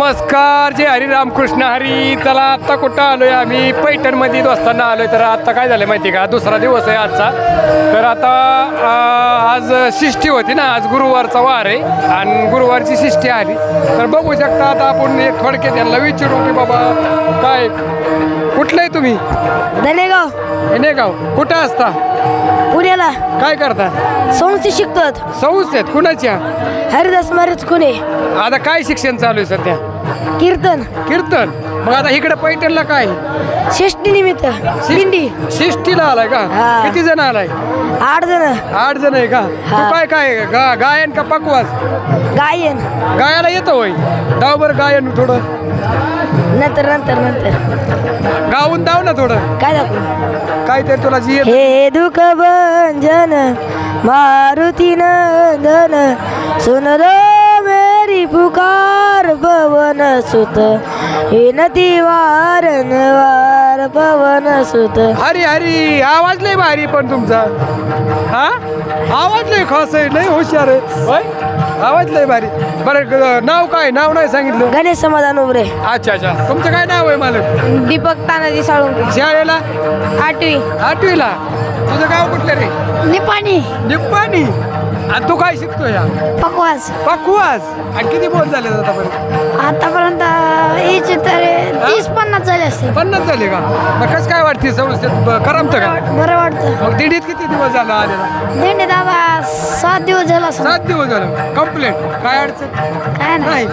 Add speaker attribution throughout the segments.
Speaker 1: नमस्कार, जय हरी रामकृष्ण हरी. चला आत्ता कुठं आलोय आम्ही? पैठणमध्ये दोस्तांना आलोय. तर आत्ता काय झालं माहिती का, दुसरा दिवस आहे आजचा. तर आता आज शिष्टी होती ना, आज गुरुवारचा वार आहे आणि गुरुवारची शिष्टी आली. तर बघू शकता आता आपण एक थोडक्यात त्यांना विचारू की बाबा काय कुठलं आहे तुम्ही?
Speaker 2: धनेगाव.
Speaker 1: धनेगाव. कुठं असता?
Speaker 2: पुण्याला.
Speaker 1: काय करता?
Speaker 2: संस्थेत शिकतात.
Speaker 1: संस्थेत कुणाच्या?
Speaker 2: हरिदास महाराज खुने.
Speaker 1: आता काय शिक्षण चालू आहे सध्या?
Speaker 2: कीर्तन.
Speaker 1: कीर्तन. मग आता इकडे पैठणला काय?
Speaker 2: षष्टी निमित्त दिंडी.
Speaker 1: शिष्टीला आलाय का?
Speaker 2: हा.
Speaker 1: किती जण आलाय?
Speaker 2: 8 जण.
Speaker 1: 8 जण आहे का?
Speaker 2: हा.
Speaker 1: तू काय काय गायन का पकवास?
Speaker 2: गायन.
Speaker 1: गायला येतं होय? दाव बरं गायन थोडं
Speaker 2: नंतर नंतर नंतर
Speaker 1: गाऊन दाव ना थोडं.
Speaker 2: काय दाखवू?
Speaker 1: काय तर तुला जी
Speaker 2: हे दुःख भंजन मारुती नंदन सुन लो मेरी पुकार पवन सुत विनती वारंवार पवन सुत.
Speaker 1: हरी हरी. आवाज लय भारी पण तुमचा. हा आवाज लय खास आहे, लय हुशार आहे होय? आवाज लय भारी. बरं नाव काय? नाव नाही सांगितलं.
Speaker 2: गणेश समाधान उभरे.
Speaker 1: अच्छा अच्छा. तुमचं काय नाव आहे मालक?
Speaker 2: दीपक तानाजी साळुंके.
Speaker 1: शाळेला
Speaker 2: 8वी.
Speaker 1: 8वीला. तुझं गाव कुठलं रे?
Speaker 2: निपाणी.
Speaker 1: निप्पाणी. आणि तू काय शिकतो या?
Speaker 2: पकवास.
Speaker 1: पकवास. आणि किती बोल झाले आतापर्यंत?
Speaker 2: आतापर्यंत याचे तर 30-50 झाले असते.
Speaker 1: 50 झाले का? मग कसं काय वाटते संस्थेत? करमतं का?
Speaker 2: बरं वाटतं.
Speaker 1: मग दिंडीत किती दिवस झाला आलेला?
Speaker 2: दिंडी दादा 7 दिवस झाला असं.
Speaker 1: 7 दिवस झालं कंप्लेंट. काय अडचण
Speaker 2: काय नाही.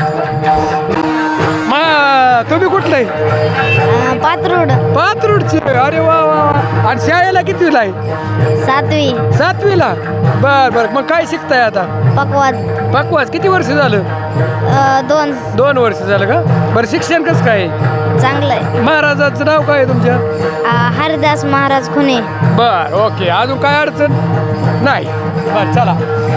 Speaker 1: मग तुम्ही कुठलं आहे?
Speaker 2: पात्रोड.
Speaker 1: पात्रूडचे. अरे वा वा वा. आणि शाळेला कितवीला आहे?
Speaker 2: 7वी.
Speaker 1: 7वीला. बर बर. मग काय शिकताय आता?
Speaker 2: पकवास.
Speaker 1: पकवास. किती वर्ष झालं?
Speaker 2: 2
Speaker 1: वर्ष झालं का? बरं शिक्षण कसं काय आहे?
Speaker 2: चांगलं आहे.
Speaker 1: महाराजाचं नाव काय आहे तुमच्या?
Speaker 2: हरिदास महाराज खुने.
Speaker 1: बर ओके. अजून काय अडचण नाही? बर चला.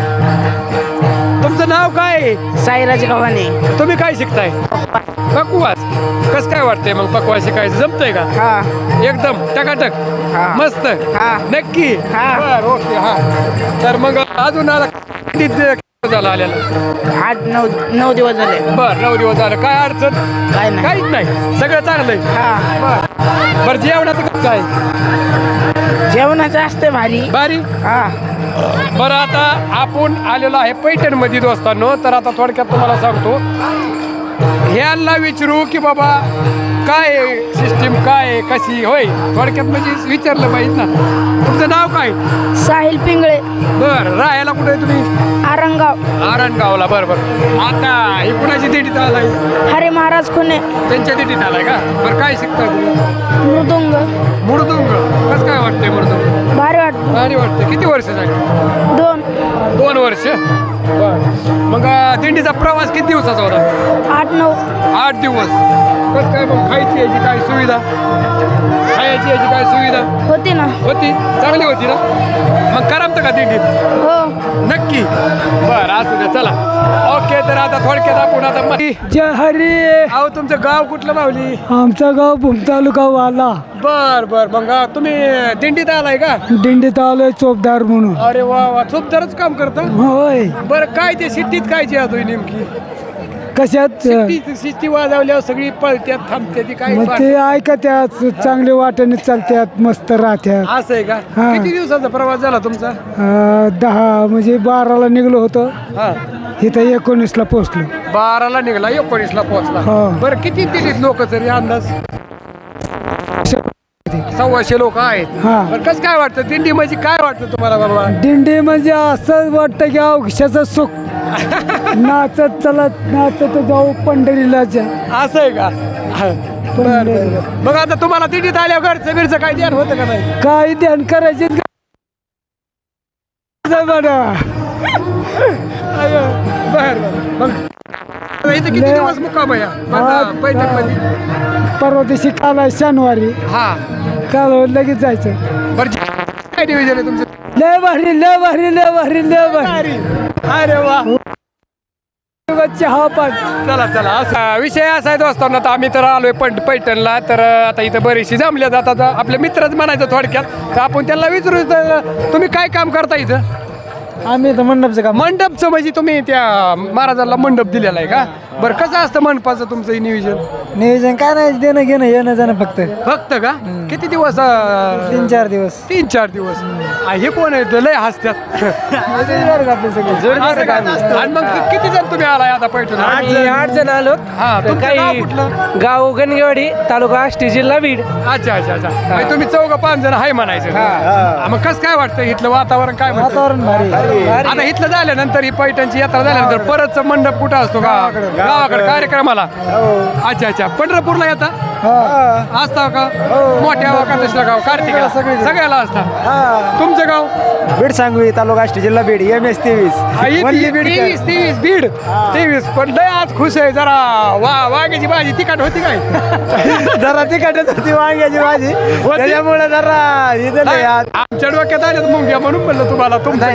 Speaker 1: तुमचं नाव काय आहे?
Speaker 2: साईराज गव्हाणे.
Speaker 1: तुम्ही काय शिकताय? पकवास. कसं काय वाटतंय मग पकवास शिकायचं? जमतंय का?
Speaker 2: हा.
Speaker 1: एकदम टकाटक.
Speaker 2: हा.
Speaker 1: मस्त.
Speaker 2: हा.
Speaker 1: नक्की.
Speaker 2: हा.
Speaker 1: बर ओके. हा. तर मग अजून आला झाला आलेला?
Speaker 2: 8-9 दिवस झाले.
Speaker 1: बर 9 दिवस झालं. काय अडचण?
Speaker 2: काय नाही.
Speaker 1: काहीच नाही. सगळं चांगलंय.
Speaker 2: हा.
Speaker 1: बरं जेवणाचं कसं आहे?
Speaker 2: जेवणाचं असते भारी.
Speaker 1: बारी.
Speaker 2: हा.
Speaker 1: बरं आता आपण आलेलो आहे पैठणमध्ये दोस्तांनो. तर आता थोडक्यात तुम्हाला सांगतो, ह्यांना विचारू की बाबा काय सिस्टीम काय आहे, कशी होय थोडक्यात म्हणजे विचारलं पाहिजे ना. तुमचं नाव काय?
Speaker 2: साहिल पिंगळे.
Speaker 1: बरं राहायला कुठे आहे तुम्ही?
Speaker 2: आरंगाव.
Speaker 1: आरणगावला. बरं बरं. आता ही कुणाची दिंडीत आलाय?
Speaker 2: हरे महाराज खुने.
Speaker 1: त्यांच्या दिंडीत आलाय का? बरं काय शिकताय तुम्ही?
Speaker 2: मृदुंग.
Speaker 1: मृदुंग. कसं काय वाटतंय मृदुंग?
Speaker 2: भारी वाटतं.
Speaker 1: भारी वाटतं. किती वर्ष झाली?
Speaker 2: 2
Speaker 1: वर्ष. बरं. मग दिंडीचा प्रवास किती दिवसाचा होता?
Speaker 2: 8-9.
Speaker 1: 8 दिवस. कसं काय मग खायची याची काय सुविधा? खायची याची काय सुविधा
Speaker 2: होते ना.
Speaker 1: होती? चांगली होती ना? मग करमतं का दिंडीत?
Speaker 2: हो.
Speaker 1: नक्की. बरं असू द्या. चला ओके. तर आता थोडक्यात आपण आता
Speaker 3: जय हरी.
Speaker 1: अहो तुमचं गाव कुठलं माऊली?
Speaker 3: आमचं गाव भूम तालुका वाला.
Speaker 1: बर बर. मग तुम्ही दिंडीत आलाय का?
Speaker 3: दिंडीत आलोय चोपदार म्हणून.
Speaker 1: अरे वा वा. चोपदारच काम करता?
Speaker 3: होय.
Speaker 1: बरं काय ते शिट्टीत काय जे आहे नेमकी?
Speaker 3: कशात?
Speaker 1: शिट्टी वाजवल्यावर सगळी पळत्यात थांबत्यात ती काय?
Speaker 3: मग ते ऐकत्यात, चांगले वाटेने चालत्यात, मस्त राहत्यात.
Speaker 1: असं आहे का?
Speaker 3: हा.
Speaker 1: किती दिवसाचा प्रवास झाला तुमचा?
Speaker 3: 10 म्हणजे 12ला निघलो होतो.
Speaker 1: हा.
Speaker 3: इथं 19ला पोहोचलो.
Speaker 1: 12ला निघाला 19ला पोहोचला.
Speaker 3: हा.
Speaker 1: बरं किती दिलीत लोक तरी अंदाज? 1,200 लोक आहेत.
Speaker 3: हा.
Speaker 1: बरं कसं काय वाटतं दिंडी म्हणजे काय वाटतं तुम्हाला बाबा?
Speaker 3: दिंडी म्हणजे असं वाटतं की औक्षाचं सुख. नाचत चलत नाचत जाऊ पंढरीला जा.
Speaker 1: असं आहे का? बरं बरं. मग आता तुम्हाला दिंडीत आल्यावर घरचं बिरचं काय ध्यान होतं का नाही?
Speaker 3: काही ध्यान करायचे
Speaker 1: बरं मग इथं किती
Speaker 3: लय-
Speaker 1: दिवस मुक्काम आहे पैठणमध्ये?
Speaker 3: परवा दिवशी काल आहे शनिवारी.
Speaker 1: हा.
Speaker 3: काल लगेच जायचं.
Speaker 1: बरं काय डिव्हिजन आहे तुमचं?
Speaker 3: लय भारी लय भारी लय भारी लय भारी.
Speaker 1: अरे वा.
Speaker 3: चहा पान.
Speaker 1: चला चला. असा विषय असा आहे दोस्तांना. तर आम्ही तर आलोय पैठणला. तर आता इथं बरीचशी जमल्या जातात. आपले मित्रच म्हणायचं थोडक्यात. तर आपण त्यांना विचारू तुम्ही काय काम करता इथं?
Speaker 3: आम्ही तर मंडपचं काम
Speaker 1: मंडपचं म्हणजे तुम्ही त्या महाराजांना मंडप दिलेला आहे का? बरं कसं असतं मंडपाचं तुमचं नियोजन?
Speaker 3: नियोजन काय नाही देणं घेणं येणं जाणं फक्त
Speaker 1: फक्त का? किती दिवस?
Speaker 3: 3-4 दिवस
Speaker 1: 3-4 दिवस. हे कोण आहे? लय हसत्यात.
Speaker 3: आपले सगळे
Speaker 1: असं का? आणि मग किती जण तुम्ही आलाय आता पैठण?
Speaker 3: 8 जण आलो.
Speaker 1: हा, तुमचं गाव कुठलं?
Speaker 3: गाव गणगेवाडी, तालुका आष्टी, जिल्हा बीड.
Speaker 1: अच्छा अच्छा अच्छा. म्हणजे तुम्ही 4-5 जण आहे म्हणायचं. हा, मग कसं काय वाटतं इथलं वातावरण? काय म्हणतं?
Speaker 3: वातावरण भारी.
Speaker 1: आता इथलं झाल्यानंतर ही पैठणची यात्रा झाल्यानंतर परत मंडप कुठं असतो? गावाकडे कार्यक्रमाला. अच्छा अच्छा. पंढरपूरला येता असता का? मोठ्या एकादशीला गाव कार्तिकला सगळ्याला असता. तुमचं गाव?
Speaker 3: बीड सांगवी, तालुका आष्टी, जिल्हा बीड. MS 23.
Speaker 1: 23 बीड 23. पण लय आज खुश आहे जरा. वांग्याची भाजी तिखट होती काय?
Speaker 3: जरा तिखटच होती वांग्याची भाजी, त्याच्यामुळे जरा
Speaker 1: आमच्या डोक्यात आल्यात मुंग्या म्हणून म्हणलं तुम्हाला. तुमचं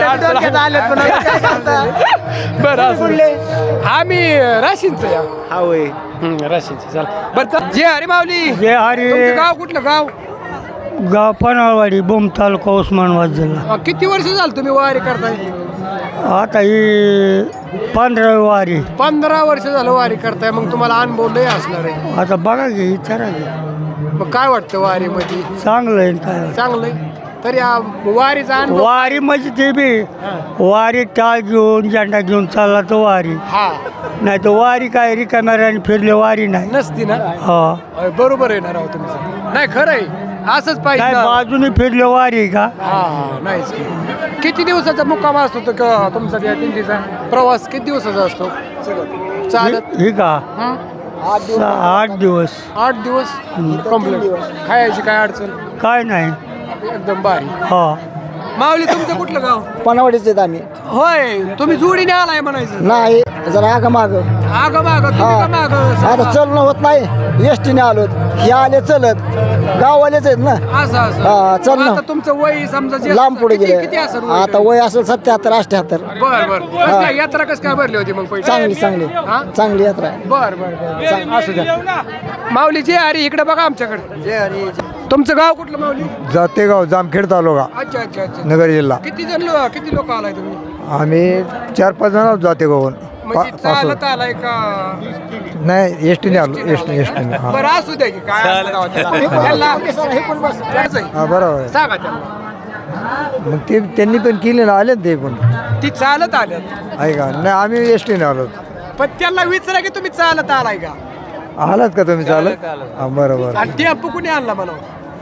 Speaker 1: बरं आम्ही राशींच या. राशींच. चला बरं. जे हरी माऊली.
Speaker 3: जय हरी.
Speaker 1: तुमचं गाव कुठलं गाव?
Speaker 3: गाव पनळवाडी, बोम तालुका, उस्मानाबाद जिल्हा.
Speaker 1: किती वर्ष झालं तुम्ही वारी करताय?
Speaker 3: आता ही 15 वारी.
Speaker 1: 15 वर्ष झालं वारी करताय. मग तुम्हाला अनुभव लय असणार आहे.
Speaker 3: आता बघा की विचारा की.
Speaker 1: मग काय वाटतं वारी मध्ये?
Speaker 3: चांगलं आहे काय.
Speaker 1: चांगलंय. तरी वारीचा अनुभव.
Speaker 3: वारी म्हणजे ते बी वारी टाळ घेऊन झेंडा घेऊन चालला तर वारी.
Speaker 1: हा,
Speaker 3: नाही तर वारी काय रिकाम्याने फिरले वारी नाही.
Speaker 1: नसती ना.
Speaker 3: हा
Speaker 1: बरोबर आहे ना राव तुमचं. नाही खरं आहे. असंच पाहिजे
Speaker 3: काय
Speaker 1: ना.
Speaker 3: बाजूने फिरले वारी का.
Speaker 1: हा नाहीच की. किती दिवसाचा मुक्काम असतो तुमचा त्या दिंडीचा प्रवास? किती दिवसाचा असतो चालत?
Speaker 3: ही का
Speaker 1: हं?
Speaker 3: 8 दिवस.
Speaker 1: 8 दिवस कम्प्लीट. खायची काय अडचण?
Speaker 3: काय नाही.
Speaker 1: एकदम भारी.
Speaker 3: हा
Speaker 1: माऊली तुमचं कुठलं गाव?
Speaker 4: पनावडीच आहेत आम्ही.
Speaker 1: होय, तुम्ही जोडीने आलाय म्हणायचं.
Speaker 4: नाही जरा आग माग
Speaker 1: आग माग माग.
Speaker 4: आता चलणं होत नाही, एसटीने आलो. हे आले चलत, गाववालेच आहेत ना.
Speaker 1: असं
Speaker 4: हा,
Speaker 1: असं.
Speaker 4: चल ना.
Speaker 1: आता तुमचं वय समजा जे
Speaker 4: लांब पुढे
Speaker 1: किती
Speaker 4: गेले.
Speaker 1: असेल
Speaker 4: आता वय असेल 77-78.
Speaker 1: बर बर. कसं काय यात्रा कसं काय भरली होती मग पैसे?
Speaker 4: चांगली चांगली
Speaker 1: हा?
Speaker 4: चांगली यात्रा आहे.
Speaker 1: बर बर बर. असू द्या. माऊली जे अरे इकडे बघा आमच्याकडे. तुमचं गाव कुठलं माऊली?
Speaker 5: जातेगाव, जामखेड तालुका,
Speaker 1: अच्छा अच्छा अच्छा.
Speaker 5: नगर जिल्हा.
Speaker 1: किती लोक आलाय तुम्ही?
Speaker 5: आम्ही 4-5 जण आहोत जातेगावहून.
Speaker 1: म्हणजे चालत आलाय का?
Speaker 5: नाही एसटीने आलो. एसटीने. हा
Speaker 1: बरं असू द्या की काय असतं गावात त्याला. त्याला- त्याचं आहे.
Speaker 5: हा बरोबर आहे.
Speaker 1: सांगा त्यांना.
Speaker 5: मग ते त्यांनी पण केले ना, आले ना ते पण
Speaker 1: ती चालत आल्यात.
Speaker 5: आहे का. नाही आम्ही एसटीने आलो.
Speaker 1: पण त्यांना विचारा की तुम्ही चालत आलाय का?
Speaker 5: आलात का तुम्ही चालत? हा बरोबर.
Speaker 1: आणि टेम्पो कुणी आणला म्हणून?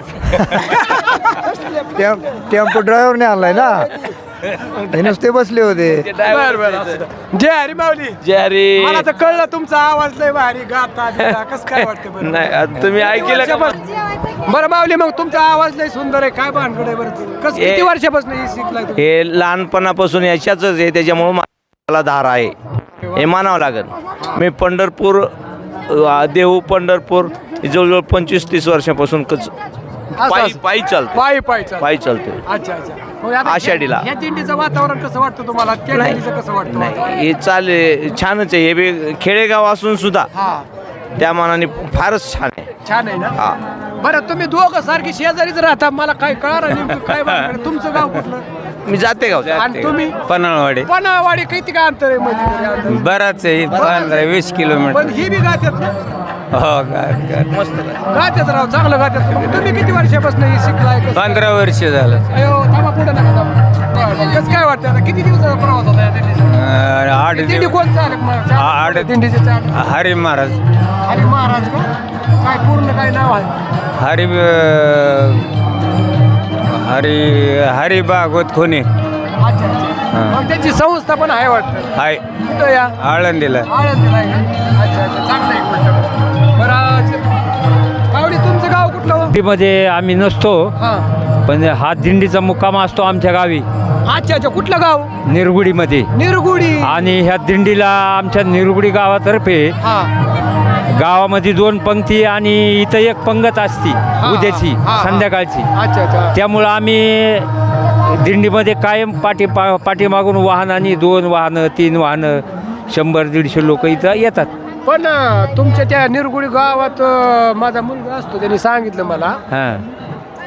Speaker 5: टेम्पो ड्रायव्हरने आणलाय ना. हे नुसते बसले होते.
Speaker 1: बर बर असू द्या. जय हरी माऊली.
Speaker 6: जय हरी.
Speaker 1: मला तर कळलं तुमचा आवाज लय भारी गाता बिता. कसं काय वाटतं बरं?
Speaker 6: नाही आता तुम्ही ऐकलं का?
Speaker 1: बरं माऊली मग तुमचा आवाज लय सुंदर आहे. काय भानगड आहे बरं? कसं किती
Speaker 6: हे-
Speaker 1: वर्षापासून हे शिकलाय तुम्ही?
Speaker 6: हे लहानपणापासून याच्याच आहे, त्याच्यामुळे मला धार आहे, हे मानावं लागेल. मी पंढरपूर, देहू पंढरपूर जवळजवळ 25-30 वर्षापासून
Speaker 1: असं.
Speaker 6: पायी चालतो.
Speaker 1: पायी चालतं.
Speaker 6: पायी चालतोय.
Speaker 1: अच्छा अच्छा. मग आता
Speaker 6: आषाढीला.
Speaker 1: या दिंडीचं वातावरण कसं वाटतं तुम्हाला? त्या
Speaker 6: नाही.
Speaker 1: दिंडीचं कसं वाटतं?
Speaker 6: नाही हे चाले छानच आहे. हे बी खेडेगाव असून सुद्धा
Speaker 1: हा
Speaker 6: त्या मानाने फारच छान आहे.
Speaker 1: छान आहे ना.
Speaker 6: हा.
Speaker 1: बरं तुम्ही दोघं सारखी शेजारीच राहता. मला काय कळणार नेमकं काय भानगड आहे? तुमचं गाव कुठलं?
Speaker 6: मी जाते गाव.
Speaker 1: आणि तुम्ही?
Speaker 7: पन्हाळवाडी.
Speaker 1: पनावाडी. किती काय अंतर आहे मध्ये तरी अंतर?
Speaker 7: बराच आहे, 15-20 किलोमीटर.
Speaker 1: पण ही बी गात्यात ना.
Speaker 7: हो
Speaker 6: मस्त
Speaker 1: गात्यात राव, चांगलं गात्यात. मग तुम्ही किती वर्षापासून हे शिकलाय?
Speaker 7: 15 वर्ष झालं.
Speaker 1: अयो थांबा पुढे नका थांबा. कसं काय वाटतं आता? किती दिवसाचा प्रवास होता या दिंडीचा?
Speaker 7: 8
Speaker 1: दिंडी
Speaker 7: दिवस.
Speaker 1: कोण चालक?
Speaker 7: आठ.
Speaker 1: दिंडीचे चालक
Speaker 7: हरी महाराज.
Speaker 1: हरी महाराज का? काय पूर्ण काय नाव आहे?
Speaker 7: हरी हरी हरी भागवत खोने
Speaker 1: अच्छा अच्छा. मग त्याची संस्था पण आहे वाटतं.
Speaker 7: हाय
Speaker 1: कुठं या?
Speaker 7: आळंदीला.
Speaker 1: आळंदीला आहे का? अच्छा अच्छा. चांगलं आहे गोष्ट. बरं माऊली तुमचं गाव कुठलं हो?
Speaker 8: दिंडीमध्ये आम्ही नसतो,
Speaker 1: हां.
Speaker 8: पण हा दिंडीचा मुक्काम असतो आमच्या गावी
Speaker 1: अच्छा अच्छा. कुठलं गाव?
Speaker 8: निरगुडीमध्ये.
Speaker 1: निरगुडी.
Speaker 8: आणि ह्या दिंडीला आमच्या निरगुडी गावातर्फे
Speaker 1: हा
Speaker 8: गावामध्ये 2 पंक्ती आणि इथं 1 पंगत असती उद्याची
Speaker 1: हा, हा.
Speaker 8: संध्याकाळची.
Speaker 1: अच्छा अच्छा.
Speaker 8: त्यामुळं आम्ही दिंडीमध्ये कायम पाठीमागून वाहनांनी 2 वाहनं 3 वाहनं 100-150 लोक इथं येतात.
Speaker 1: पण तुमच्या त्या निरगुडी गावात माझा मुलगा असतो, त्यांनी सांगितलं मला
Speaker 8: हां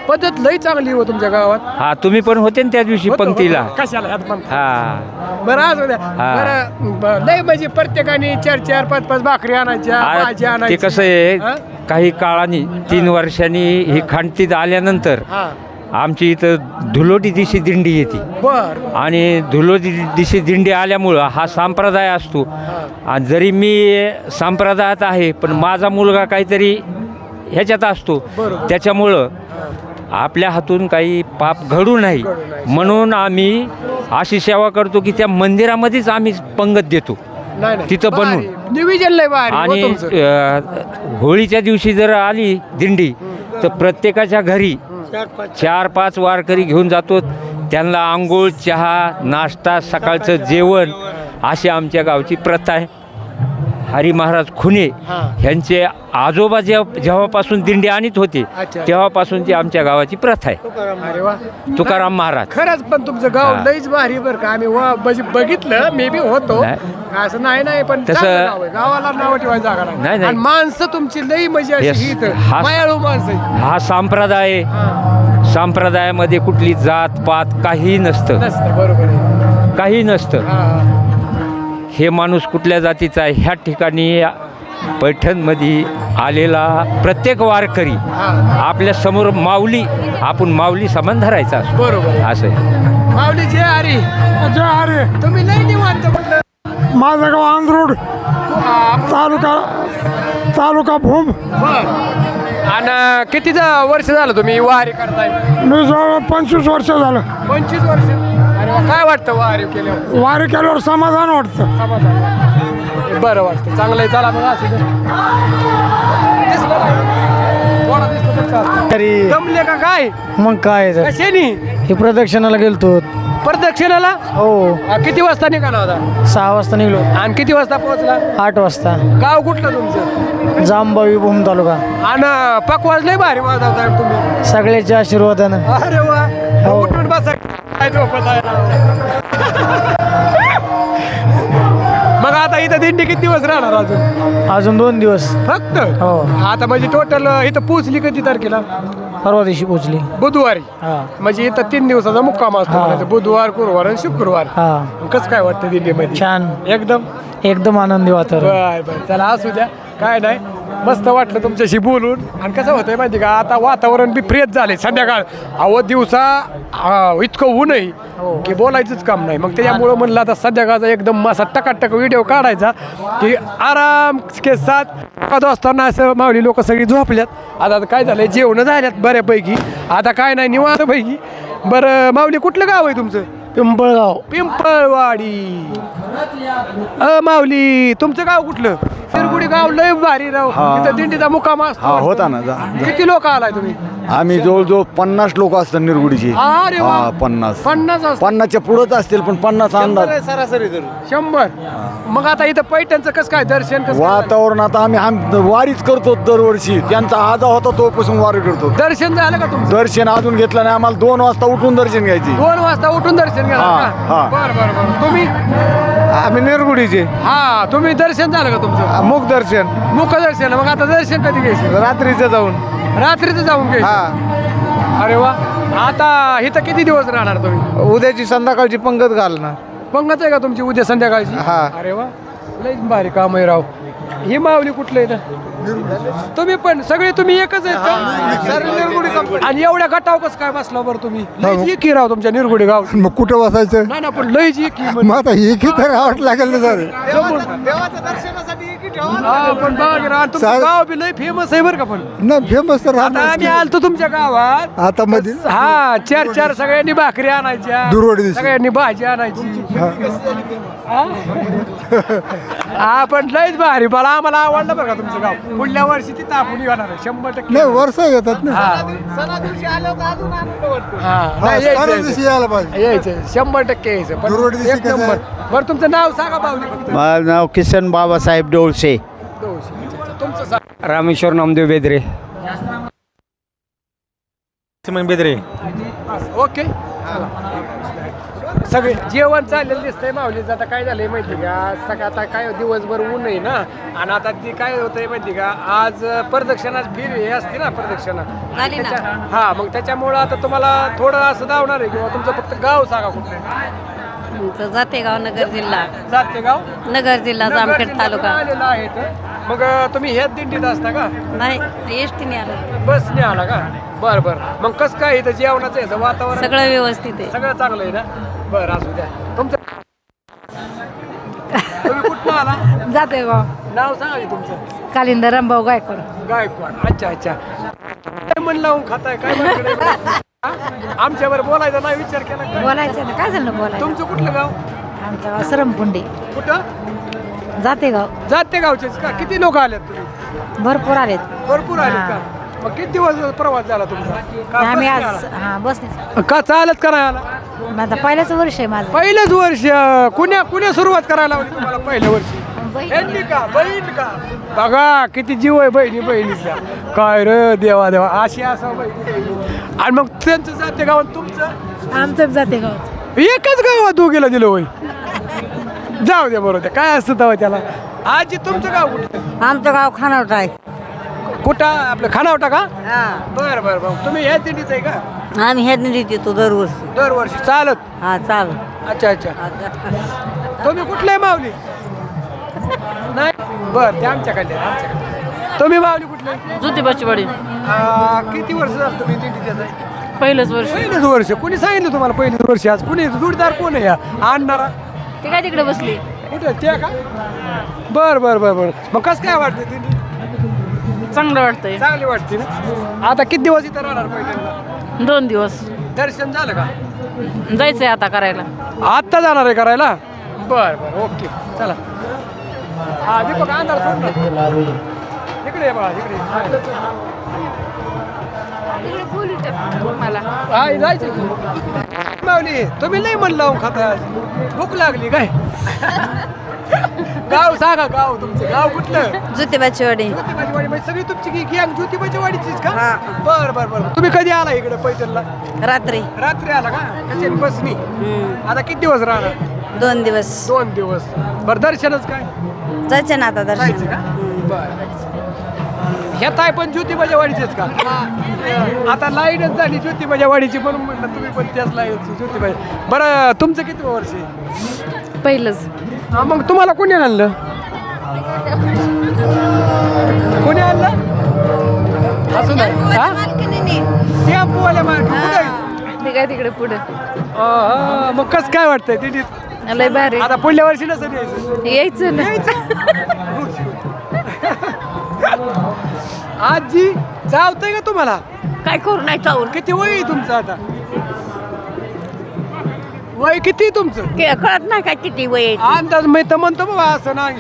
Speaker 1: पद्धत लई चांगली हो तुमच्या गावात.
Speaker 8: हा तुम्ही पण होते ना त्या दिवशी
Speaker 1: होतो,
Speaker 8: पंक्तीला.
Speaker 1: होतो. कशाला ह्यात पण.
Speaker 8: हा
Speaker 1: बरं असू द्या.
Speaker 8: हा.
Speaker 1: बरं लई म्हणजे प्रत्येकाने 4-4, 5-5 भाकरी आणायच्या, भाजी
Speaker 8: ते
Speaker 1: आणायची.
Speaker 8: कसं आहे
Speaker 1: हा?
Speaker 8: काही काळाने 3 वर्षांनी ही खांडतीत आल्यानंतर
Speaker 1: हा.
Speaker 8: आमची इथं धुलोटी दिशी दिंडी येते
Speaker 1: बर
Speaker 8: आणि धुलोटी दिशी दिंडी आल्यामुळं हा संप्रदाय असतो. आणि जरी मी संप्रदायात आहे पण माझा मुलगा काहीतरी ह्याच्यात असतो,
Speaker 1: बरोबर.
Speaker 8: त्याच्यामुळं आपल्या हातून काही पाप घडू नाही म्हणून आम्ही अशी सेवा करतो की त्या मंदिरामध्येच आम्ही पंगत देतो
Speaker 1: नाही नाही.
Speaker 8: तिथं बनवून.
Speaker 1: भारी. नियोजन लय भारी हो
Speaker 8: आणि
Speaker 1: तुमचं.
Speaker 8: होळीच्या दिवशी जर आली दिंडी तर प्रत्येकाच्या घरी 4-5 वारकरी घेऊन जातो. त्यांना आंघोळ, चहा, नाश्ता, सकाळचं जेवण अशी आमच्या गावची प्रथा आहे. हरी महाराज खुने
Speaker 1: हा.
Speaker 8: ह्यांचे आजोबा जेव्हापासून दिंडी आणत होते
Speaker 1: अच्छा.
Speaker 8: तेव्हापासूनची आमच्या गावाची प्रथा आहे.
Speaker 1: अरे वा.
Speaker 8: तुकाराम महाराज.
Speaker 1: खरंच पण तुमचं गाव
Speaker 8: हा.
Speaker 1: लईच भारी बरं का. आम्ही म्हणजे बघितलं, मे बी होतो
Speaker 8: नाही.
Speaker 1: असं नाही पण
Speaker 8: तसं-
Speaker 1: चांगलं गाव आहे. गावाला नाव ठेवायची जागा
Speaker 8: नाही,
Speaker 1: नाही.
Speaker 8: नाही.
Speaker 1: आणि माणसं तुमची लई म्हणजे अशी
Speaker 8: Yes.
Speaker 1: ही इथं
Speaker 8: हा.
Speaker 1: मायाळू माणसं आहेत.
Speaker 8: हा संप्रदाय आहे.
Speaker 1: हा.
Speaker 8: संप्रदायामध्ये कुठली जात पात काही नसतं,
Speaker 1: नसतं, बरोबर आहे.
Speaker 8: काही नसतं.
Speaker 1: हा.
Speaker 8: हे माणूस कुठल्या जातीचा आहे ह्या ठिकाणी पैठणमध्ये आलेला प्रत्येक वारकरी
Speaker 1: हा.
Speaker 8: आपल्या समोर माऊली, आपण माऊली समान धरायचा असतो.
Speaker 1: बरोबर आहे.
Speaker 8: असं आहे.
Speaker 1: माऊली जे हरी
Speaker 3: अरे
Speaker 1: तुम्ही लई निवांत म्हटलं.
Speaker 3: माझं गाव आंध्रोड, तालुका भूम.
Speaker 1: बर. आणि कितीचा वर्ष झालं तुम्ही वारी करताय?
Speaker 3: मी जवळ 25 वर्ष झालं
Speaker 1: 25 वर्ष. अरे वा. काय वाटतं वारी केल्यावर?
Speaker 3: वारी केल्यावर समाधान वाटतं.
Speaker 1: समाधान. बरं वाटतं. चांगलं आहे. चला मग असू दे. दिसलं का? कोणा दिसलं तर चालतं. जमले का काय?
Speaker 3: मग काय
Speaker 1: कशानी?
Speaker 3: हे प्रदक्षिणाला गेलतो.
Speaker 1: प्रदक्षिणाला
Speaker 3: हो
Speaker 1: किती वाजता निघाला होता?
Speaker 3: 6 वाजता निघलो.
Speaker 1: आणि किती वाजता पोहोचला?
Speaker 3: 8 वाजता.
Speaker 1: गाव कुठलं तुमचं?
Speaker 3: जांबावी भूम तालुका.
Speaker 1: आणि पकवाज लय भारी वाजवताय तुम्ही.
Speaker 3: सगळ्याच्या आशीर्वादानं.
Speaker 1: अरे वा. उठून बसा. काय झोपत आहे राव. मग आता इथं दिंडी किती दिवस राहणार
Speaker 3: अजून 2 दिवस.
Speaker 1: फक्त?
Speaker 3: हो.
Speaker 1: आता म्हणजे टोटल इथं पोचली कधी तारखेला?
Speaker 3: परवा दिवशी पोचली.
Speaker 1: बुधवारी.
Speaker 3: हा
Speaker 1: म्हणजे इथं 3 दिवसाचा मुक्काम असतो.
Speaker 3: हा.
Speaker 1: म्हणायचं. बुधवार, गुरुवार आणि शुक्रवार.
Speaker 3: हा
Speaker 1: कसं काय वाटतं दिल्लीमध्ये?
Speaker 3: छान,
Speaker 1: एकदम
Speaker 3: आनंदी वातावरण.
Speaker 1: बर चला असू द्या. काय नाही, मस्त वाटलं तुमच्याशी बोलून. आणि कसं होतंय माहिती का, आता वातावरण बी फ्रेश झाले. संध्याकाळ दिवसा इतकं ऊन आहे की बोलायचंच काम नाही. मग त्याच्यामुळं म्हणलं आता संध्याकाळचा एकदम असा टकाटक व्हिडिओ काढायचा की आराम के साथ असताना असं मावली लोक सगळी झोपल्यात. आता काय झालंय, जेवणं झाल्यात बऱ्यापैकी. आता काय नाही, निवांत पैकी. बरं माऊली, कुठलं गाव आहे तुमचं?
Speaker 3: पिंपळगाव.
Speaker 1: पिंपळवाडी. माऊली, तुमचं गाव कुठलं? तिरगुडी गाव लय भारी राव. तिथं दिंडीचा मुक्काम असतो.
Speaker 5: होता ना
Speaker 1: किती लोक आलाय तुम्ही?
Speaker 5: आम्ही जवळजवळ 50 लोक असतात निर्गुडीचे.
Speaker 1: अरे वा.
Speaker 5: 50
Speaker 1: 50
Speaker 5: 50च्या पुढंच असतील पण 50 अंदाज.
Speaker 1: 100. मग आता इथं पैठणचं कसं काय दर्शन कसं काय झालं?
Speaker 5: वातावरण आता आम्ही वारीच करतो दरवर्षी. त्यांचा आजा होता तोपासून वारी करतो.
Speaker 1: दर्शन झालं का तुमचं?
Speaker 5: दर्शन अजून घेतलं नाही. आम्हाला 2 वाजता उठून दर्शन घ्यायचे.
Speaker 1: 2 वाजता उठून दर्शन
Speaker 5: हा,
Speaker 1: घ्या.
Speaker 5: हा.
Speaker 1: बरं. तुम्ही?
Speaker 5: आम्ही निर्गुडीचे.
Speaker 1: हा, तुम्ही दर्शन झालं का तुमचं?
Speaker 5: मुख दर्शन
Speaker 1: मुख दर्शन. मग आता दर्शन कधी घ्यायचं?
Speaker 5: रात्रीचं जाऊन.
Speaker 1: रात्रीचं जाऊन घ्यायचं. अरे वा. आता इथं किती दिवस राहणार तुम्ही?
Speaker 5: उद्याची संध्याकाळची पंगत घालणार.
Speaker 1: पंगत आहे का तुमची उद्या संध्याकाळची?
Speaker 5: हा.
Speaker 1: अरे वा. लय भारी काम आहे राव. ही माऊली कुठलं आहे? तुम्ही पण सगळे तुम्ही एकच आहेत का? आणि एवढ्या गटाव कसं काय बसला बरं तुम्ही? लयच एकी राव तुमच्या निरगुडी गाव.
Speaker 3: मग कुठं बसायचं?
Speaker 1: नाही ना, पण लयच एकी
Speaker 3: मग आता एक तर गावात लागेल ना सर.
Speaker 1: पण बघा की राव, तुमचं गाव बी लय फेमस आहे बरं का. पण
Speaker 3: ना फेमस तर
Speaker 1: आता आम्ही आलतो तुमच्या गावात.
Speaker 3: आता मध्ये
Speaker 1: हा, 4 सगळ्यांनी भाकरी आणायच्या,
Speaker 3: दुर्वाडी दिवशी.
Speaker 1: सगळ्यांनी भाजी आणायची. हा, पण लयच भारी. मला आम्हाला आवडलं बरं का तुमचं गाव. पुढल्या वर्षी तिथं आपण येणार आहे 100%.
Speaker 3: नाही वर्ष येतात ना.
Speaker 1: हा. नाही, यायचं.
Speaker 3: यायला पाहिजे.
Speaker 1: यायचं 100% यायचं. पण
Speaker 3: दुर्वाडी दिवशी
Speaker 1: एक
Speaker 3: कसं
Speaker 1: नंबर. बरं, तुमचं नाव सांगा पाहुणे फक्त.
Speaker 9: माझं नाव किसन बाबासाहेब डोळसे.
Speaker 1: तुमचं सांगा.
Speaker 7: रामेश्वर नामदेव बेदरे.
Speaker 1: ओके. सगळे जेवण चाललेलं दिसतंय माऊलीचं. आता काय झालंय माहिती का, सगळं आता काय दिवसभर ऊन आहे ना, आणि आता ती काय होतंय माहिती का, आज प्रदक्षिणा फिर हे असते ना प्रदक्षिणा, हा मग त्याच्यामुळं आता तुम्हाला थोडं असं धावणार आहे किंवा तुमचं फक्त गाव सांगा कुठलं.
Speaker 10: जातेगाव नगर जिल्हा,
Speaker 1: जातेगाव
Speaker 10: नगर जिल्हा, जामखेड तालुका.
Speaker 1: आलेला आहे तर मग तुम्ही ह्याच दिंडीत असता का,
Speaker 10: नाही एसटीने आलं,
Speaker 1: बसने आला का? बरं बरं. मग कसं काय इथं जेवणाचं याचं वातावरण
Speaker 10: सगळं व्यवस्थित आहे.
Speaker 1: सगळं चांगलं आहे ना? बरं असू द्या. तुमचं तुम्ही कुठं आला?
Speaker 2: जातेगाव.
Speaker 1: नाव सांगा की तुमचं.
Speaker 2: कालिंद रामभाऊ गायकवाड.
Speaker 1: गायकवाड. अच्छा अच्छा. काय मन लावून खाताय काय आमच्या बरोबर बोलायचा नाही विचार केला काय?
Speaker 2: बोलायचं ना, काय झालं बोलायचं.
Speaker 1: तुमचं कुठलं गाव?
Speaker 2: आमचं गाव सरमपुंडी.
Speaker 1: कुठं?
Speaker 2: जातेगाव.
Speaker 1: जाते गावचेच का? किती लोक आलेत तुम्ही?
Speaker 2: भरपूर आलेत.
Speaker 1: भरपूर आलेत का? मग किती दिवस प्रवास झाला तुमचा? का
Speaker 2: आम्ही
Speaker 1: बसने
Speaker 2: आज
Speaker 1: आला?
Speaker 2: हा बसने.
Speaker 1: का चालत का नाही आला?
Speaker 2: आता पहिल्याच वर्ष आहे माझं.
Speaker 1: पहिलंच वर्ष. कुण्या सुरुवात करायला लावली तुम्हाला पहिल्या वर्षी? ह्यांनी का? बहीण का? बघा किती जीव आहे बहिणीचा. काय रे देवा देवा, अशी असं बहिणी. आणि मग त्यांचं जाते गावात तुमचं?
Speaker 2: आमचं जातेगाव.
Speaker 1: एकच गावात दोघीला दिलं होय. जाऊ द्या बरोबर. काय असतं तेव्हा त्याला. आजी तुमचं गाव कुठं?
Speaker 10: आमचं गाव खानावटा आहे.
Speaker 1: कुठं आपलं खानावटा का? बरं बरं बरं. तुम्ही ह्या दिंडीत आहे का?
Speaker 10: आम्ही ह्या दिंडीत येतो दरवर्षी.
Speaker 1: दरवर्षी चालत?
Speaker 10: हा चाल.
Speaker 1: अच्छा अच्छा. तुम्ही कुठले माऊली? नाही बरं, ते आमच्याकडे. तुम्ही माऊली कुठले?
Speaker 10: ज्योतिबाची वाडी.
Speaker 1: किती वर्ष झालं तुम्ही दिंडीत येत आहे?
Speaker 10: पहिलंच वर्ष.
Speaker 1: पहिलंच वर्ष. कुणी सांगितलं तुम्हाला पहिलंच वर्ष? आज कुणी जोडीदार कोण आहे या आणणारा?
Speaker 10: ते काय तिकडे बसली.
Speaker 1: कुठं ते का? बरं बरं बरं बरं. मग कसं काय वाटतं दिंडी?
Speaker 10: चांगलं वाटतंय.
Speaker 1: चांगली वाटते ना. आता किती दिवस इथं राहणार पहिल्यांदा?
Speaker 10: 2 दिवस.
Speaker 1: दर्शन झालं का?
Speaker 10: जायचंय आता करायला.
Speaker 1: आत्ता जाणार आहे करायला? बरं बरं ओके चला. हा दीपक अंधार सोड ना. इकडे बघा इकडे. हा जायचं माऊली. तुम्ही नाही म्हणलं लावून खाता. भूक लागली काय? गाव सांगा. गाव तुमचं गाव कुठलं?
Speaker 10: ज्योतिबाची वाडी.
Speaker 1: ज्योतिबाची वाडी म्हणजे सगळी तुमची गँग ज्योतिबाची वाडीचीच का? बरं बरं बरं. तुम्ही कधी आला इकडे पैठणला?
Speaker 10: रात्री.
Speaker 1: रात्री आला का? कशी बसनी? आता किती दिवस राहणार?
Speaker 10: 2 दिवस.
Speaker 1: 2 दिवस. बरं दर्शनच काय?
Speaker 10: जायचं ना आता
Speaker 1: जायचं का? बरं. ह्या ताय पण ज्योतिबाच्या वाडीचेच का? आता लाईनच झाली ज्योतिबाच्या वाडीची म्हणून म्हटलं तुम्ही पण त्याच लाईन ज्योतिबाच्या. बरं तुमचं किती वर्ष आहे?
Speaker 2: पहिलंच.
Speaker 1: हा मग तुम्हाला कोणी आणलं? कोणी आणलं? असं नाही. हा टेम्पोवाल्या मार्ग कुठे आहे?
Speaker 2: ते काय तिकडे पुढे.
Speaker 1: मग कसं काय वाटतंय दिंडीत?
Speaker 2: लय भारी.
Speaker 1: आता पुढल्या वर्षी नसं यायचं.
Speaker 2: यायचं ना.
Speaker 1: आजी चावतंय का तुम्हाला?
Speaker 10: काय करू नाही चावून.
Speaker 1: किती वय आहे तुमचं आता? वय किती तुमचं?
Speaker 10: कळत नाही काय किती वय आहे.
Speaker 1: अंदाज मी तर म्हणतो बाबा असं नाही.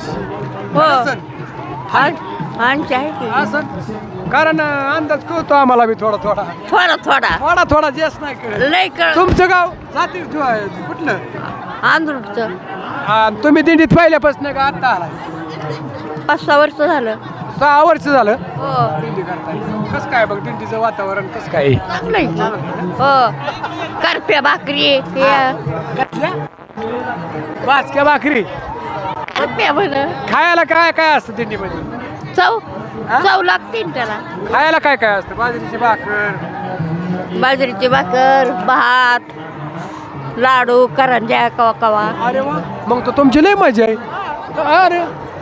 Speaker 10: आमची आहे की.
Speaker 1: असं कारण अंदाज कळतो आम्हाला बी थोडा थोडा
Speaker 10: थोडा थोडा.
Speaker 1: थोडा थोडा जास्त नाही कळत.
Speaker 10: लय कळ.
Speaker 1: तुमचं गाव जाती कुठलं?
Speaker 10: आंध्रचं.
Speaker 1: तुम्ही दिंडीत पहिल्यापासून का आता आला?
Speaker 10: 5-6 वर्ष झालं.
Speaker 1: 6 वर्ष झालं
Speaker 10: हो.
Speaker 1: दिंडी करताय. कसं काय बघ दिंडीचं वातावरण कसं काय?
Speaker 10: हो. करप्या भाकरी.
Speaker 1: भाजक्या भाकरी
Speaker 10: करप्या म्हण.
Speaker 1: खायला काय काय असतं दिंडीमध्ये?
Speaker 10: चव लागते ना त्याला.
Speaker 1: खायला काय काय असतं? बाजरीची भाकर,
Speaker 10: बाजरीची भाकर, भात, लाडू, करंज्या, कवा कवा.
Speaker 1: अरे वा. मग तर तुमची लय मजा आहे. अरे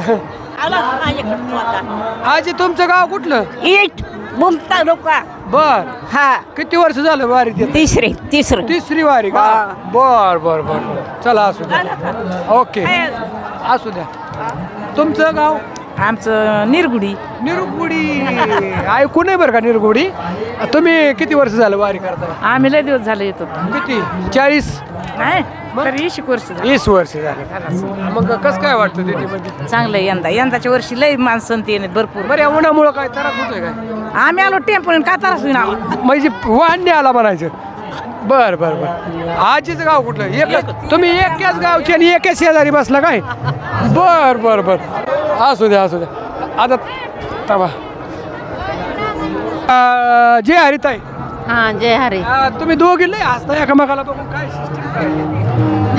Speaker 1: आजी तुमचं गाव कुठलं?
Speaker 10: इट बुमता लोका.
Speaker 1: बर.
Speaker 10: हा.
Speaker 1: किती वर्ष झालं वारीत येत? तिसरी वारी का? बर बर बर. चला असू द्या. ओके असू द्या. तुमचं गाव?
Speaker 10: आमचं निरगुडी.
Speaker 1: निरगुडी ऐकू नाही बरं का निरगुडी. तुम्ही किती वर्ष झालं वारी करता?
Speaker 10: आम्ही लय दिवस झाले येतो.
Speaker 1: किती? 40?
Speaker 10: नाही 20 वर्ष झाले.
Speaker 1: 20 वर्ष झाले. मग कसं काय वाटतं दिंडीमध्ये?
Speaker 10: चांगलं यंदाच्या वर्षी लय माणसं येणे भरपूर.
Speaker 1: बरं या उन्हामुळं काय त्रास होतोय काय?
Speaker 10: आम्ही आलो टेम्पोने का त्रास होईना.
Speaker 1: म्हणजे वाहन आला म्हणायचं. बर बर बर. आजीचं गाव कुठलं? एकच तुम्ही एकाच गावचे आणि एकाच शेजारी बसला काय? बर बर बर. असू द्या असू द्या. आता तवा जय हरिताई.
Speaker 10: हा जय हरी.
Speaker 1: तुम्ही दोघी लय हसता एकामेकाला बघून काय system काय?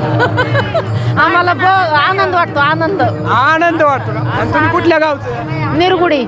Speaker 10: आम्हाला आनंद वाटतो आनंद.
Speaker 1: आनंद वाटतो का? आणि तुम्ही कुठल्या गावचं?
Speaker 10: निरगुडी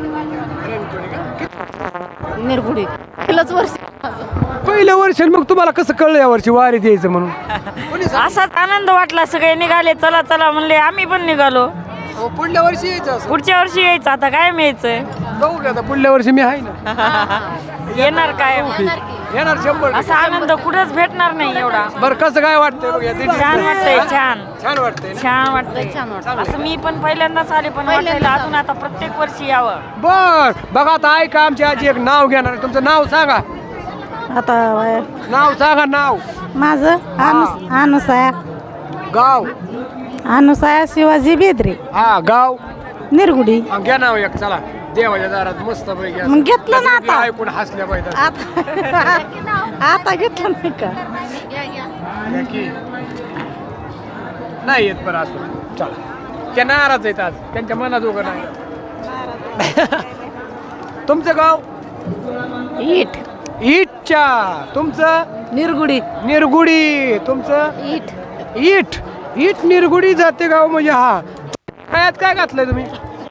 Speaker 10: निरगुडी पहिलंच वर्ष.
Speaker 1: पहिलं वर्ष मग तुम्हाला कसं कळलं या वर्षी वारीत यायचं म्हणून?
Speaker 10: असाच आनंद वाटला. सगळे निघाले, चला चला म्हणले, आम्ही पण निघालो.
Speaker 1: पुढल्या वर्षी यायचं असं
Speaker 10: पुढच्या वर्षी यायचं. आता काय यायचंय,
Speaker 1: बघू का आता पुढल्या वर्षी मी आहे ना.
Speaker 10: येणार काय.
Speaker 1: येणार 100.
Speaker 10: असा आनंद कुठंच भेटणार नाही एवढा.
Speaker 1: बरं कसं काय वाटतंय बघ या दिंडीत?
Speaker 10: छान वाटतंय, छान
Speaker 1: छान वाटतंय ना?
Speaker 10: छान वाटतंय. असं मी पण पहिल्यांदाच आले, पण वाटायला अजून आता प्रत्येक वर्षी यावं.
Speaker 1: बर बघा आता ऐका, आमची आजी एक नाव घेणार आहे. तुमचं नाव सांगा.
Speaker 10: आता
Speaker 1: नाव सांगा. नाव
Speaker 10: माझं अनुसया
Speaker 1: गाव
Speaker 10: अनुसया शिवाजी बेदरे,
Speaker 1: हा गाव
Speaker 10: निरगुडी.
Speaker 1: हा, घ्या नाव एक. चला देवाच्या दारात मस्त पैकी
Speaker 10: मग घेतलं ना आता.
Speaker 1: ऐकून हसल्या पाहिजे.
Speaker 10: आता घेतलं नाही का.
Speaker 1: नाही येत बरं असं. चला त्या नाराज आहेत आज, त्यांच्या मनात उगं नाही. तुमचं गाव?
Speaker 10: इट
Speaker 1: इटच्या. तुमचं?
Speaker 10: निरगुडी.
Speaker 1: निरगुडी. तुमचं?
Speaker 10: It
Speaker 1: it. इट निरगुडी जाते गाव म्हणजे. हा काय काय घातलंय तुम्ही?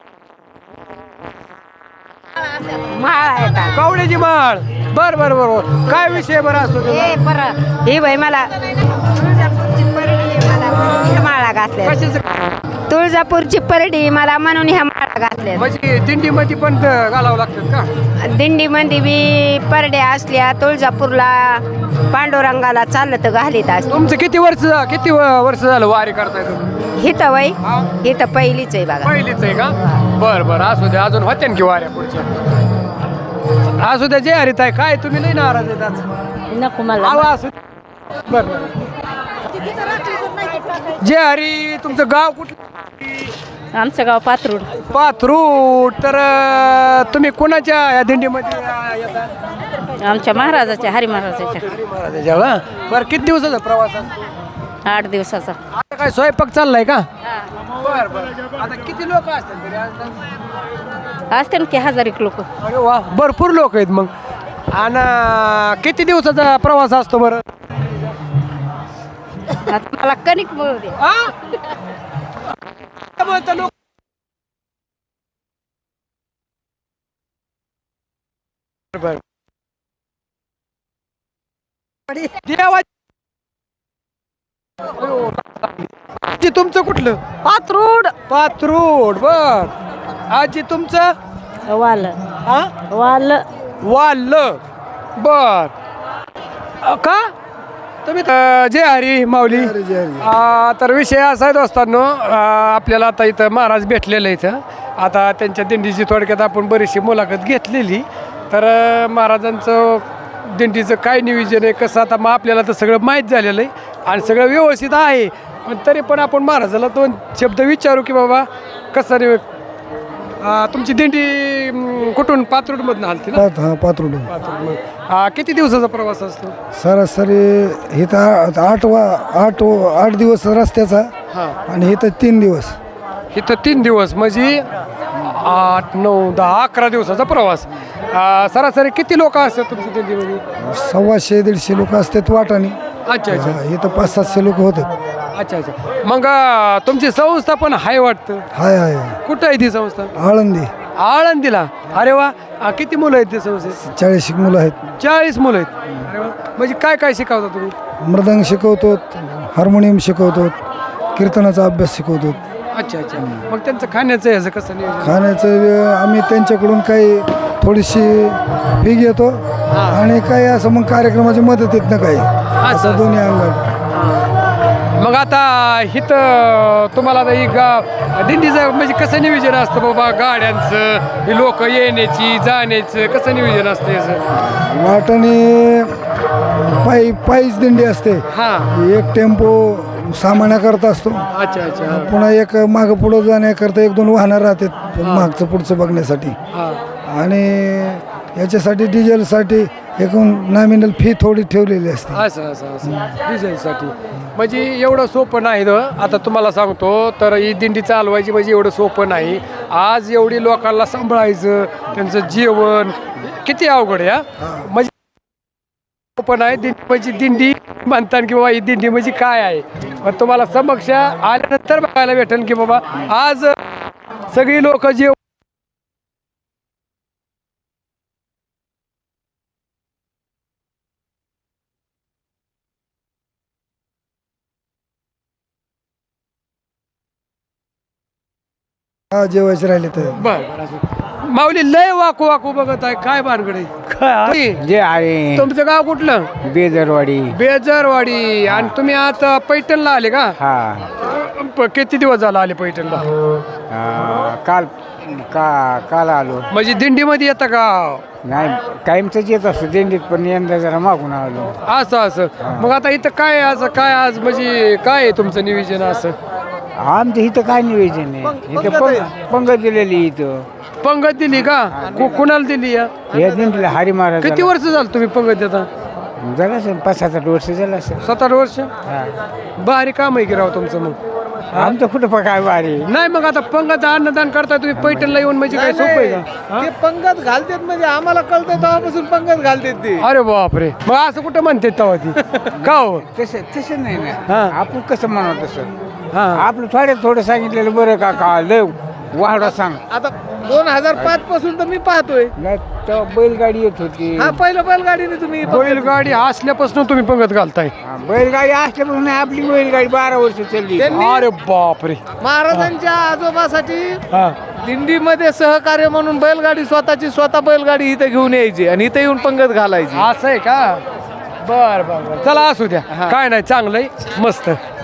Speaker 10: माळ येतात.
Speaker 1: कवड्याची माळ. बर बर बर. काय विषय बरं असतो तुझा?
Speaker 10: हे बाई मला माळा घातल्या.
Speaker 1: कशाचं?
Speaker 10: तुळजापूरची परडी मला म्हणून ह्या माळा घातल्या.
Speaker 1: म्हणजे दिंडीमध्ये पण घालावं लागतात का?
Speaker 10: दिंडीमध्ये बी परड्या असल्या, तुळजापूरला पांडुरंगाला चाललं तर घालीत असत.
Speaker 1: तुमचं किती वर्ष झालं वारी करताय तुम्ही?
Speaker 10: हिथं वय हिथं पहिलीच आहे बघा.
Speaker 1: पहिलीच आहे का? बर बर असू द्या. अजून होत्या की वाऱ्या पुढच्या? असू द्या. जे हरित आहे काय तुम्ही नाही नाराज आहेत आज?
Speaker 10: नको मला.
Speaker 1: आवा असू. बर बर. जे हरी. तुमचं गाव कुठलं?
Speaker 10: आमचं गाव पात्रूड.
Speaker 1: पाथरूड. तर तुम्ही कोणाच्या या दिंडीमध्ये येतात?
Speaker 10: आमच्या महाराजाच्या हरी महाराजाच्या.
Speaker 1: महाराजाच्या का? बरं किती दिवसाचा प्रवास असतो?
Speaker 10: 8 दिवसाचा.
Speaker 1: आता काय स्वयंपाक चाललाय का? बर बर. आता किती लोक असतात तरी अंदाज?
Speaker 10: असते ना की 1000 लोक.
Speaker 1: अरे वा, भरपूर लोक आहेत मग. आणि किती दिवसाचा प्रवास असतो बरं?
Speaker 10: आता मला कणिक मिळू दे.
Speaker 1: लोक आजी तुमचं कुठलं?
Speaker 10: पात्रूड.
Speaker 1: पाथरूड. बर. आजी तुमचं?
Speaker 10: वाल
Speaker 1: हा
Speaker 10: वाल
Speaker 1: वाल. बर. का तुम्ही जय हरी माऊली. तर विषय असा आहे दोस्तांनो, आपल्याला आता इथं महाराज भेटलेलं इथं. आता त्यांच्या दिंडीची थोडक्यात आपण बरीचशी मुलाखत घेतलेली. तर महाराजांचं दिंडीचं काय नियोजन आहे कसं, आता मग आपल्याला तर सगळं माहीत झालेलं आहे आणि सगळं व्यवस्थित आहे. पण तरी पण आपण महाराजाला 2 शब्द विचारू की बाबा कसं तुमची दिंडी कुठून? पाथरूडमधून हलती ना?
Speaker 3: हा पात्रोड.
Speaker 1: किती दिवसाचा प्रवास असतो?
Speaker 3: सरासरी इथं 8 दिवस रस्त्याचा आणि इथं 3 दिवस.
Speaker 1: इथं 3 दिवस म्हणजे 8, 9, 10, 11 दिवसाचा प्रवास. सरासरी किती लोक असतात तुमच्या दिंडीमध्ये?
Speaker 3: 150-150 लोक असतात वाटाने.
Speaker 1: अच्छा अच्छा.
Speaker 3: इथं 500-700 लोक होतात.
Speaker 1: अच्छा अच्छा. मग तुमची संस्था पण आहे वाटतं?
Speaker 3: हाय
Speaker 1: कुठं आहे ती संस्था?
Speaker 3: आळंदी.
Speaker 1: आळंदीला. अरे वा. किती मुलं आहेत त्या संस्थेत?
Speaker 3: 40 मुलं आहेत.
Speaker 1: 40 मुलं आहेत. अरे वा. म्हणजे काय काय शिकवता तुम्ही?
Speaker 3: मृदंग शिकवतो, हार्मोनियम शिकवतो, कीर्तनाचा अभ्यास शिकवतो.
Speaker 1: अच्छा अच्छा. मग त्यांचं खाण्याचं ह्याचं कसं नियोजन?
Speaker 3: खाण्याचं आम्ही त्यांच्याकडून काही थोडीशी फी घेतो आणि काही असं मग कार्यक्रमाची मदत येत ना काही असं दोन्ही अंगात.
Speaker 1: मग आता इथं तुम्हाला आता ही दिंडीचं म्हणजे कसं नियोजन असतं बाबा? गाड्यांचं, लोक येण्याची जाण्याचं कसं नियोजन असतं याचं?
Speaker 3: वाटाने पायीच दिंडी असते.
Speaker 1: हां.
Speaker 3: एक टेम्पो सामान्याकरता असतो.
Speaker 1: अच्छा अच्छा.
Speaker 3: पुन्हा एक मागं पुढं जाण्याकरता 1-2 वाहनं राहतात मागचं पुढचं बघण्यासाठी.
Speaker 1: हां.
Speaker 3: आणि याच्यासाठी डिझेलसाठी एकूण नॉमिनल फी थोडी ठेवलेली असते.
Speaker 1: असं असं असं डिझेलसाठी. म्हणजे एवढं सोपं नाही आता तुम्हाला सांगतो. तर ही दिंडी चालवायची म्हणजे एवढं सोपं नाही. आज एवढी लोकांना सांभाळायचं, त्यांचं जेवण किती अवघड आहे. म्हणजे पण आहे दिंडी म्हणजे दिंडी म्हणतात की बाबा ही दिंडी म्हणजे काय आहे. पण तुम्हाला समक्ष आल्यानंतर बघायला भेटेल की बाबा आज सगळी लोक जे
Speaker 3: हा जेवायचे राहिले तर
Speaker 1: बर माऊली लय वाकू वाकू बघत आहे काय भानगड आहे.
Speaker 7: जे आहे
Speaker 1: तुमचं गाव कुठलं?
Speaker 7: बेदरवाडी
Speaker 1: बेजरवाडी. आणि तुम्ही आता पैठणला आले का?
Speaker 7: हा
Speaker 1: किती दिवस झाला आले पैठणला?
Speaker 7: काल आलो.
Speaker 1: म्हणजे दिंडीमध्ये येतं का?
Speaker 7: नाही कायमच येत असतो दिंडीत पण यंदा जरा मागून आलो.
Speaker 1: असं असं मग आता इथं काय असं काय आज म्हणजे काय आहे तुमचं नियोजन असं?
Speaker 7: आमच्या इथं काय नियोजन आहे इथं पंगत दिलेली इथं.
Speaker 1: पंगत दिली का? कुणाला दिली या?
Speaker 7: या दिंडीला हरी महाराज
Speaker 1: किती वर्ष झालं तुम्ही पंगत देता?
Speaker 7: झालं असेल 5-7 वर्ष झालं असेल.
Speaker 1: 7-8 वर्ष. भारी काम आहे की राव तुमचं. मग
Speaker 7: आमचं कुठं काय वारी
Speaker 1: नाही मग आता पंगत अन्नदान करताय तुम्ही पैठणला येऊन म्हणजे काय सोपं आहे का?
Speaker 4: ते पंगत घालतात म्हणजे आम्हाला कळतं तेव्हापासून पंगत घालतात ते.
Speaker 1: अरे बापरे. मग असं कुठं म्हणते तेव्हा ती का हो?
Speaker 7: तसं नाही ना.
Speaker 1: हा.
Speaker 7: आपण कसं म्हणतो तसं
Speaker 1: हा
Speaker 7: आपलं थोडं सांगितलेलं बरं का लय वाढा सांग.
Speaker 4: आता 2005 पासून तर मी पाहतोय.
Speaker 7: नाही तेव्हा बैलगाडी येत होती.
Speaker 4: हा पहिलं बैलगाडीने तुम्ही
Speaker 1: बैलगाडी असल्यापासून तुम्ही पंगत घालताय?
Speaker 7: बैलगाडी असल्यापासून आपली बैलगाडी 12 वर्ष चालली.
Speaker 1: अरे बापरे.
Speaker 4: महाराजांच्या आजोबासाठी
Speaker 1: हा
Speaker 4: दिंडीमध्ये सहकार्य म्हणून बैलगाडी स्वतः बैलगाडी इथे घेऊन यायची आणि इथे येऊन पंगत घालायची.
Speaker 1: असं आहे का? बर बर बर चला असू द्या काय नाही चांगलंय मस्त.